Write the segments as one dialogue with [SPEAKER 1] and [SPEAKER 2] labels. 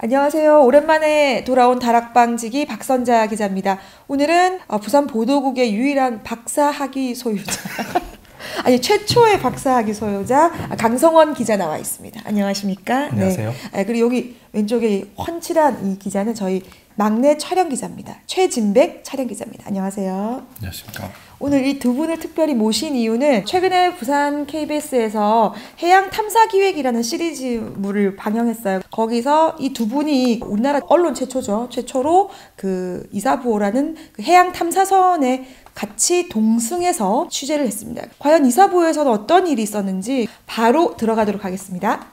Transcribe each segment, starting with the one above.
[SPEAKER 1] 안녕하세요. 오랜만에 돌아온 다락방지기 박선자 기자입니다. 오늘은 부산 보도국의 유일한 박사학위 소유자 아니 최초의 박사학위 소유자 강성원 기자 나와 있습니다. 안녕하십니까?
[SPEAKER 2] 안녕하세요.
[SPEAKER 1] 네. 그리고 여기 왼쪽에 훤칠한 이 기자는 저희 막내 촬영 기자입니다. 최진백 촬영 기자입니다. 안녕하세요.
[SPEAKER 2] 안녕하십니까.
[SPEAKER 1] 오늘 이 두 분을 특별히 모신 이유는 최근에 부산 KBS에서 해양 탐사 기획이라는 시리즈물을 방영했어요. 거기서 이 두 분이 우리나라 언론 최초죠. 최초로 그 이사부호라는 그 해양 탐사선에 같이 동승해서 취재를 했습니다. 과연 이사부호에서는 어떤 일이 있었는지 바로 들어가도록 하겠습니다.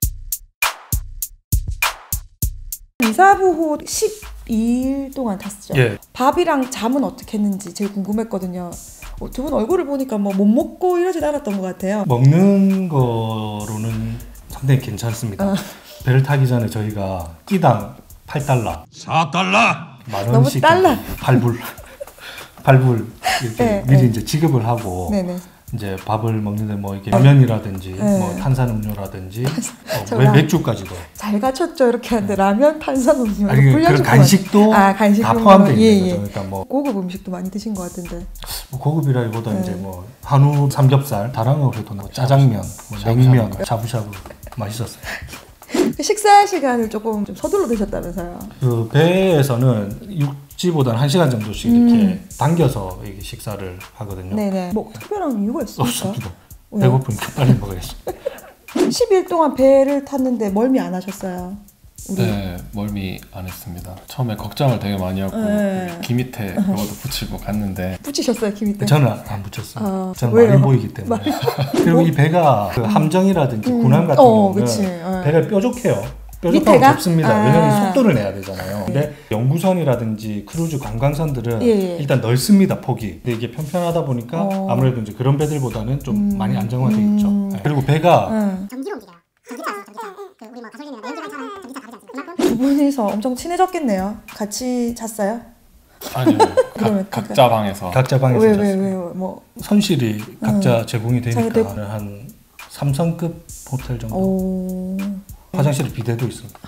[SPEAKER 1] 이사부호 12일 동안 탔죠.
[SPEAKER 2] 예.
[SPEAKER 1] 밥이랑 잠은 어떻게 했는지 제일 궁금했거든요. 두 분 얼굴을 보니까 뭐 못 먹고 이러진 않았던 것 같아요.
[SPEAKER 2] 먹는 거로는 상당히 괜찮습니다. 배를 타기 전에 저희가 끼당 8달러,
[SPEAKER 3] 4달러,
[SPEAKER 2] 만
[SPEAKER 1] 너무
[SPEAKER 2] 원씩
[SPEAKER 1] 달러.
[SPEAKER 2] 발불 이렇게
[SPEAKER 1] 네,
[SPEAKER 2] 미리
[SPEAKER 1] 네.
[SPEAKER 2] 이제 지급을 하고
[SPEAKER 1] 네네.
[SPEAKER 2] 이제 밥을 먹는데 뭐 이렇게 라면이라든지
[SPEAKER 1] 네.
[SPEAKER 2] 뭐 탄산음료라든지
[SPEAKER 1] 저랑
[SPEAKER 2] 맥주까지도
[SPEAKER 1] 잘 갖췄죠. 이렇게 하는데 라면, 탄산음료,
[SPEAKER 2] 아니 그런 간식도
[SPEAKER 1] 간식
[SPEAKER 2] 다 포함되어 있는
[SPEAKER 1] 예,
[SPEAKER 2] 거죠.
[SPEAKER 1] 예.
[SPEAKER 2] 그러니까 뭐
[SPEAKER 1] 고급 음식도 많이 드신 것 같은데.
[SPEAKER 2] 고급이라기보다
[SPEAKER 1] 네.
[SPEAKER 2] 이제 뭐 한우 삼겹살, 다랑어 그래도 뭐 짜장면, 뭐 냉면, 샤브샤브 맛있었어요.
[SPEAKER 1] 식사 시간을 조금 좀 서둘러 드셨다면서요?
[SPEAKER 2] 그 배에서는 육지보다는 1시간 정도씩 이렇게 당겨서 이게 식사를 하거든요.
[SPEAKER 1] 네네. 뭐 특별한 이유가 있습니까?
[SPEAKER 2] 없습니다.
[SPEAKER 1] 왜요?
[SPEAKER 2] 배고프니까 빨리 먹어야지.
[SPEAKER 1] 10일 동안 배를 탔는데 멀미 안 하셨어요? 우리?
[SPEAKER 3] 네, 멀미 안 했습니다. 처음에 걱정을 되게 많이 하고
[SPEAKER 1] 네.
[SPEAKER 3] 귀 밑에 그것도 붙이고 갔는데
[SPEAKER 1] 붙이셨어요, 귀 밑에?
[SPEAKER 2] 저는 안 붙였어요. 저는
[SPEAKER 1] 왜요?
[SPEAKER 2] 많이 보이기 때문에. 그리고 이 배가 그 함정이라든지 군함 같은 경우는
[SPEAKER 1] 그치.
[SPEAKER 2] 배가 뾰족해요.
[SPEAKER 1] 밑에가?
[SPEAKER 2] 뾰족하고 좁습니다. 왜냐면
[SPEAKER 1] 아.
[SPEAKER 2] 속도를 내야 되잖아요. 근데 연구선이라든지 크루즈 관광선들은
[SPEAKER 1] 예.
[SPEAKER 2] 일단 넓습니다, 폭이. 근데 이게 편편하다 보니까 아무래도 이제 그런 배들보다는 좀 많이 안정화돼 있죠. 네. 그리고 배가
[SPEAKER 4] 전기로 움직여요. 전기차 있어, 전기차. 그 우리 뭐 가솔린이나 연료관처럼 전기차 다르지 않습니까?
[SPEAKER 1] 두 분이서 엄청 친해졌겠네요. 같이 잤어요?
[SPEAKER 3] 아니요,
[SPEAKER 1] 그러면
[SPEAKER 3] 각자 방에서
[SPEAKER 2] 각자 방에서
[SPEAKER 1] 왜
[SPEAKER 2] 잤어요.
[SPEAKER 1] 뭐.
[SPEAKER 2] 선실이 각자 제공이
[SPEAKER 1] 자기
[SPEAKER 2] 되니까 한 3성급 호텔 정도.
[SPEAKER 1] 오.
[SPEAKER 2] 화장실에 비데도 있습니다.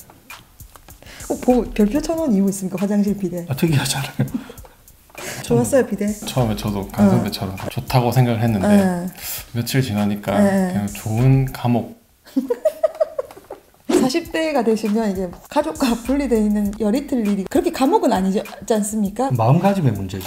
[SPEAKER 1] 별표 쳐놓은 이유 있습니까? 화장실 비데.
[SPEAKER 2] 특이하잖아요.
[SPEAKER 1] 좋았어요, 비데?
[SPEAKER 3] 처음에 저도 강선배처럼 좋다고 생각을 했는데 며칠 지나니까 그냥 좋은 감옥
[SPEAKER 1] 40대가 되시면 이게 가족과 분리되어 있는 열이 틀 일이 그렇게 감옥은 아니지 않습니까?
[SPEAKER 2] 마음가짐의 문제죠.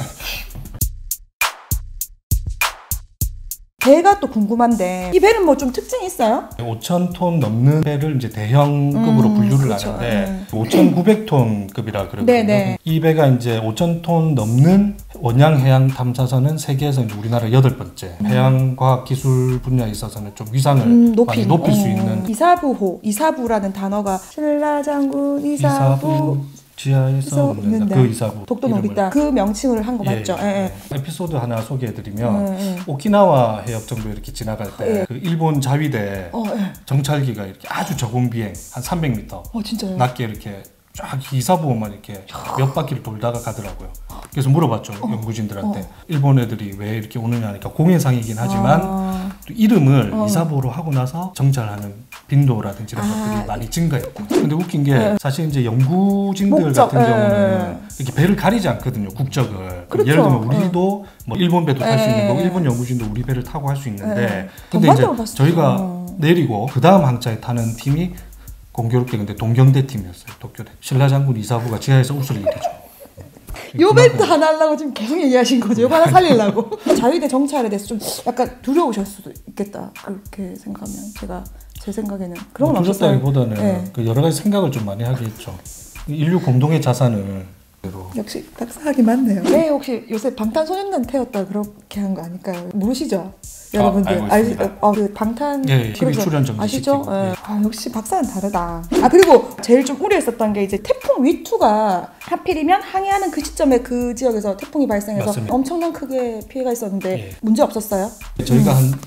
[SPEAKER 1] 배가 또 궁금한데 이 배는 뭐 좀 특징이 있어요?
[SPEAKER 2] 5,000톤 넘는 배를 이제 대형급으로 분류를
[SPEAKER 1] 그렇죠.
[SPEAKER 2] 하는데 5,900톤급이라 그러거든요.
[SPEAKER 1] 네네.
[SPEAKER 2] 이 배가 이제 5,000톤 넘는 원양 해양 탐사선은 세계에서 이제 우리나라 8번째 해양 과학 기술 분야에 있어서는 좀 위상을 많이 높일 수 있는
[SPEAKER 1] 이사부호, 이사부라는 단어가 신라장군 이사부
[SPEAKER 2] 지하에서 없는다. 그 이사부
[SPEAKER 1] 독도
[SPEAKER 2] 이름을.
[SPEAKER 1] 놀이다 그 명칭을 한 거 맞죠? 예.
[SPEAKER 2] 에피소드 하나 소개해드리면 오키나와 해협 정도 이렇게 지나갈 때 그 일본 자위대 정찰기가 이렇게 아주 저공 비행 한 300m
[SPEAKER 1] 진짜요?
[SPEAKER 2] 낮게 이렇게 쫙 이사부호만 이렇게 몇 바퀴를 돌다가 가더라고요. 그래서 물어봤죠 연구진들한테 일본 애들이 왜 이렇게 오느냐 하니까 공해상이긴 하지만 또 이름을 이사부호로 하고 나서 정찰하는 빈도라든지 이런 것들이 많이 증가했고. 근데 웃긴 게 사실 이제 연구진들
[SPEAKER 1] 목적,
[SPEAKER 2] 같은 경우는 이렇게 배를 가리지 않거든요, 국적을.
[SPEAKER 1] 그렇죠.
[SPEAKER 2] 예를 들면 우리도 뭐 일본 배도 탈 수 있는 거고 일본 연구진도 우리 배를 타고 할 수 있는데 근데 이제 저희가 내리고 그 다음 항차에 타는 팀이 공교롭게 근데 동경대 팀이었어요. 도쿄대. 신라장군 이사부가 지하에서 웃을 일이죠.
[SPEAKER 1] 요 멘트 하나 하려고 지금 계속 얘기하신 거죠? 요거 하나 살리려고. 자위대 정찰에 대해서 좀 약간 두려우실 수도 있겠다. 그렇게 생각하면 제 생각에는 그런 건 없었어요.
[SPEAKER 2] 두렵다기보다는 그 여러 가지 생각을 좀 많이 하게 했죠. 인류 공동의 자산을
[SPEAKER 1] 역시 박사학이 맞네요. 네, 혹시 요새 방탄소년단 태웠다 그렇게 한 거 아닐까요? 모르시죠? 여러분들
[SPEAKER 3] 알고 있습니다.
[SPEAKER 1] 그 방탄
[SPEAKER 2] 예, TV 출연 정지
[SPEAKER 1] 아시죠?
[SPEAKER 2] 시키고.
[SPEAKER 1] 예. 역시 박사는 다르다. 그리고 제일 좀 우려했었던 게 이제 태풍 위투가 하필이면 항해하는 그 시점에 그 지역에서 태풍이 발생해서
[SPEAKER 2] 맞습니다.
[SPEAKER 1] 엄청난 크게 피해가 있었는데
[SPEAKER 2] 예.
[SPEAKER 1] 문제 없었어요?
[SPEAKER 2] 저희가 한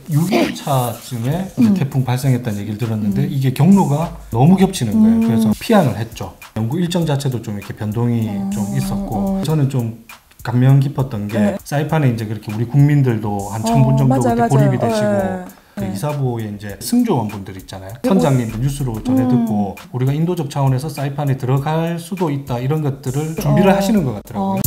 [SPEAKER 2] 6일차쯤에 태풍 발생했다는 얘기를 들었는데 이게 경로가 너무 겹치는 거예요. 그래서 피항을 했죠. 연구 일정 자체도 좀 이렇게 변동이 좀 있었고 저는 좀 감명 깊었던 게 사이판에 이제 그렇게 우리 국민들도 한 1,000분 정도 그때 고립이 되시고 그 이사부의 이제 승조원분들 있잖아요. 선장님들 뉴스로 전해 듣고 우리가 인도적 차원에서 사이판에 들어갈 수도 있다 이런 것들을 준비를 하시는 것 같더라고요.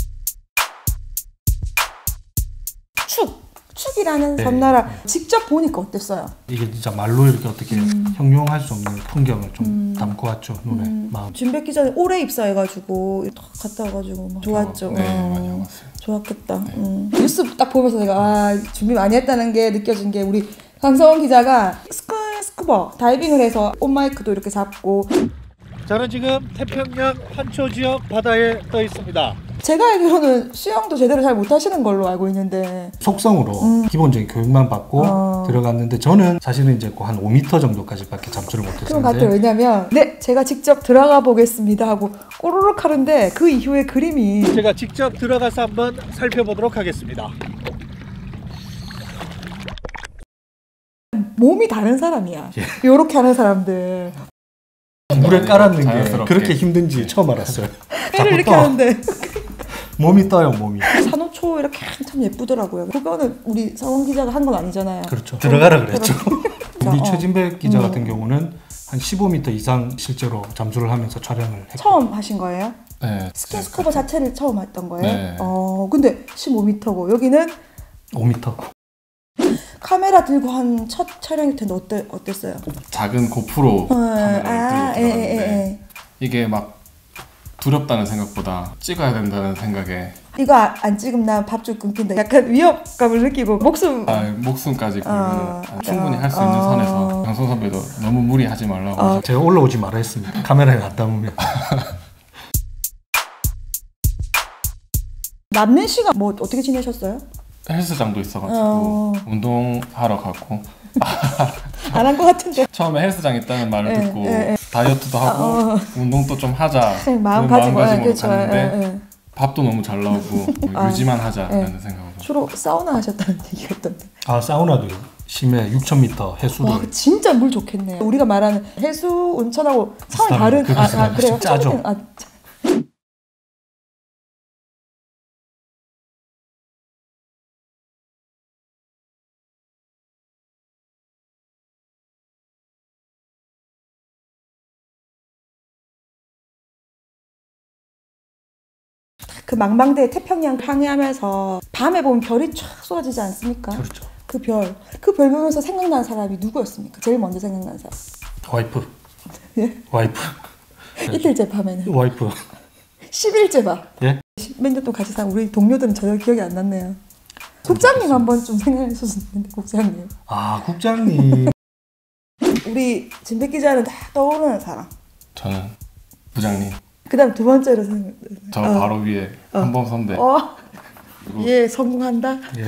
[SPEAKER 1] 축이라는 섬나라 직접 보니까 어땠어요?
[SPEAKER 2] 이게 진짜 말로 이렇게 어떻게 형용할 수 없는 풍경을 좀 담고 왔죠. 눈에 마음.
[SPEAKER 1] 준백 기자는 올해 입사해가지고 갔다 와가지고 막 좋았죠.
[SPEAKER 3] 네, 많이 와봤어요.
[SPEAKER 1] 좋았겠다. 뉴스 딱 보면서 내가 준비 많이 했다는 게 느껴진 게 우리 강성원 기자가 스쿠버 다이빙을 해서 온마이크도 이렇게 잡고
[SPEAKER 5] 저는 지금 태평양 판초 지역 바다에 떠 있습니다.
[SPEAKER 1] 제가 알기로는 수영도 제대로 잘 못하시는 걸로 알고 있는데
[SPEAKER 2] 속성으로 기본적인 교육만 받고 들어갔는데 저는 사실은 이제 한 5m 정도까지밖에 잠수를
[SPEAKER 1] 그런 것
[SPEAKER 2] 못했었는데
[SPEAKER 1] 같아요. 왜냐면 네 제가 직접 들어가 보겠습니다 하고 꼬르륵 하는데 그 이후에 그림이
[SPEAKER 5] 제가 직접 들어가서 한번 살펴보도록 하겠습니다.
[SPEAKER 1] 몸이 다른 사람이야. 요렇게 하는 사람들
[SPEAKER 2] 물에 깔았는 게
[SPEAKER 3] 자연스럽게.
[SPEAKER 2] 그렇게 힘든지 처음 알았어요.
[SPEAKER 1] 회를 이렇게
[SPEAKER 2] 떠.
[SPEAKER 1] 하는데
[SPEAKER 2] 몸이 떠요, 몸이.
[SPEAKER 1] 산호초 이렇게 참 예쁘더라고요. 그거는 우리 성원 기자가 한 건 아니잖아요.
[SPEAKER 2] 그렇죠. 들어가라 그랬죠. 우리
[SPEAKER 1] 어.
[SPEAKER 2] 최진백 기자 같은 경우는 한 15m 이상 실제로 잠수를 하면서 촬영을 했고
[SPEAKER 1] 처음 하신 거예요?
[SPEAKER 3] 네,
[SPEAKER 1] 스킨스쿠버 자체를 처음 했던 거예요?
[SPEAKER 3] 네.
[SPEAKER 1] 근데 15m고 여기는
[SPEAKER 2] 5m.
[SPEAKER 1] 카메라 들고 한 첫 촬영일 텐데 어땠어요?
[SPEAKER 3] 작은 고프로 카메라를 들고 들어갔는데
[SPEAKER 1] 예.
[SPEAKER 3] 이게 막 두렵다는 생각보다 찍어야 된다는 생각에
[SPEAKER 1] 이거 안 찍으면 난 밥줄 끊긴다. 약간 위협감을 느끼고 목숨
[SPEAKER 3] 목숨까지 걸면 충분히 할 수 있는 선에서 강성 선배도 너무 무리하지 말라고
[SPEAKER 2] 제가 올라오지 말아 했습니다. 카메라에 안 담으면.
[SPEAKER 1] 남는 시간 뭐 어떻게 지내셨어요?
[SPEAKER 3] 헬스장도 있어가지고 운동하러 갔고
[SPEAKER 1] 안 한 것 같은데
[SPEAKER 3] 처음에 헬스장 있다는 말을
[SPEAKER 1] 예,
[SPEAKER 3] 듣고
[SPEAKER 1] 예, 예.
[SPEAKER 3] 다이어트도 하고 운동도 좀 하자
[SPEAKER 1] 마음
[SPEAKER 3] 그런
[SPEAKER 1] 가지고 그렇죠.
[SPEAKER 3] 갔는데 밥도 너무 잘 나오고 유지만 하자라는 생각으로
[SPEAKER 1] 주로 사우나 하셨다는 얘기가 있던데.
[SPEAKER 2] 아 사우나도 심해 6,000m 해수를.
[SPEAKER 1] 와 진짜 물 좋겠네요. 우리가 말하는 해수 온천하고 차원이 다른
[SPEAKER 2] 비슷합니다.
[SPEAKER 1] 그래요?
[SPEAKER 2] 짜죠.
[SPEAKER 1] 그 망망대해 태평양 항해하면서 밤에 보면 별이 쫙 쏟아지지 않습니까?
[SPEAKER 2] 그렇죠.
[SPEAKER 1] 그 별 보면서 생각난 사람이 누구였습니까? 제일 먼저 생각난 사람.
[SPEAKER 2] 와이프.
[SPEAKER 1] 예?
[SPEAKER 2] 와이프.
[SPEAKER 1] 이틀째 밤에는.
[SPEAKER 2] 와이프.
[SPEAKER 1] 10일째 밤.
[SPEAKER 2] 예?
[SPEAKER 1] 몇 년 동안 같이 산 우리 동료들은 전혀 기억이 안 났네요. 국장님 한번 좀 생각해 주셨는데 국장님.
[SPEAKER 2] 아 국장님.
[SPEAKER 1] 우리 진백 기자는 다 떠오르는 사람.
[SPEAKER 3] 저는 부장님
[SPEAKER 1] 그다음 두 번째로 생각.
[SPEAKER 3] 저 바로 위에 한범 선배 그리고
[SPEAKER 1] 예 성공한다.
[SPEAKER 2] 예.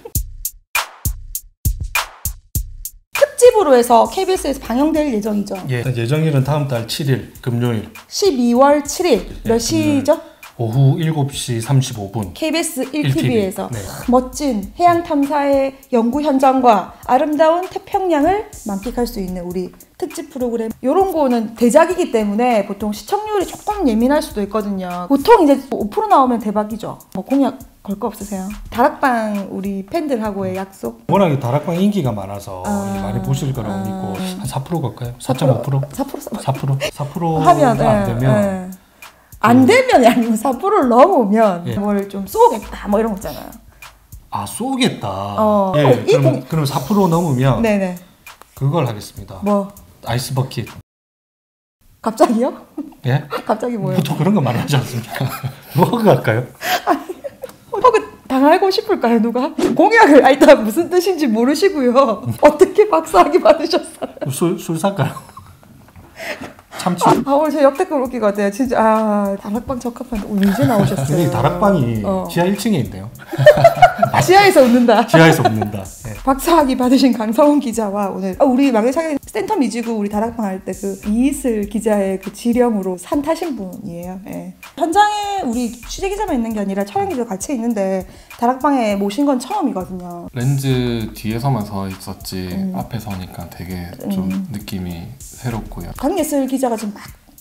[SPEAKER 1] 특집으로 해서 KBS에서 방영될 예정이죠.
[SPEAKER 2] 예. 예정일은 다음 달 7일 금요일
[SPEAKER 1] 12월 7일 몇
[SPEAKER 2] 네,
[SPEAKER 1] 시죠?
[SPEAKER 2] 오후 7시 35분.
[SPEAKER 1] KBS 1TV에서
[SPEAKER 2] 네.
[SPEAKER 1] 멋진 해양 탐사의 연구 현장과 아름다운 태평양을 만끽할 수 있는 우리 특집 프로그램. 이런 거는 대작이기 때문에 보통 시청률이 조금 예민할 수도 있거든요. 보통 이제 5% 나오면 대박이죠. 뭐 공약 걸 거 없으세요? 다락방 우리 팬들하고의 약속?
[SPEAKER 2] 워낙에 다락방 인기가 많아서 많이 보실 거라고 믿고 한 4% 갈까요? 4.5%? 4%
[SPEAKER 1] 하면
[SPEAKER 2] 안 되면
[SPEAKER 1] 안 되면이 아니고 4%를 넘으면
[SPEAKER 2] 예.
[SPEAKER 1] 뭘 좀 쏘겠다 뭐 이런 거 있잖아요.
[SPEAKER 2] 아 쏘겠다.
[SPEAKER 1] 이
[SPEAKER 2] 그럼 4% 넘으면
[SPEAKER 1] 네네.
[SPEAKER 2] 그걸 하겠습니다.
[SPEAKER 1] 뭐
[SPEAKER 2] 아이스 버킷.
[SPEAKER 1] 갑자기요?
[SPEAKER 2] 예?
[SPEAKER 1] 갑자기 뭐예요?
[SPEAKER 2] 보통 그런 거 말하지 않습니까? 뭐가 할까요?
[SPEAKER 1] 혹은 당하고 싶을까요 누가? 공약을 일단 무슨 뜻인지 모르시고요. 어떻게 박사학위 받으셨어요?
[SPEAKER 2] 술 살까요? 참치.
[SPEAKER 1] 오늘 제 역대급 웃기 같아요. 진짜 다락방 적합한데 오늘 이제 나오셨어요.
[SPEAKER 2] 근데 이 다락방이 지하 1층에 있네요.
[SPEAKER 1] 지하에서 웃는다.
[SPEAKER 2] 지하에서 웃는다. 예.
[SPEAKER 1] 박사학위 받으신 강성훈 기자와 오늘 우리 막내사기 센터 미지구 우리 다락방 할 때 그 이이슬 기자의 그 지령으로 산 타신 분이에요. 예. 현장에 우리 취재 기자만 있는 게 아니라 촬영 기자 같이 있는데 다락방에 모신 건 처음이거든요.
[SPEAKER 3] 렌즈 뒤에서만 서 있었지 앞에 서니까 되게 좀 느낌이 새롭고요.
[SPEAKER 1] 강예슬 기자가 지금 막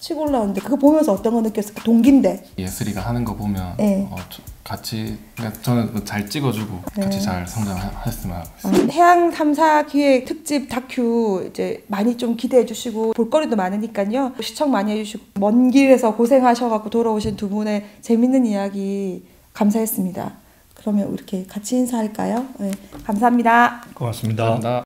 [SPEAKER 1] 치고 올라오는데 그거 보면서 어떤 거 느꼈을까? 동기인데.
[SPEAKER 3] 예슬이가 하는 거 보면
[SPEAKER 1] 네.
[SPEAKER 3] 같이 그러니까 저는 잘 찍어주고 같이 잘 성장했으면 하고 있어요.
[SPEAKER 1] 해양 탐사 기획 특집 다큐 이제 많이 좀 기대해 주시고 볼거리도 많으니까요. 시청 많이 해주시고 먼 길에서 고생하셔갖고 돌아오신 두 분의 재밌는 이야기 감사했습니다. 그러면 이렇게 같이 인사할까요? 네, 감사합니다.
[SPEAKER 5] 고맙습니다.
[SPEAKER 3] 감사합니다.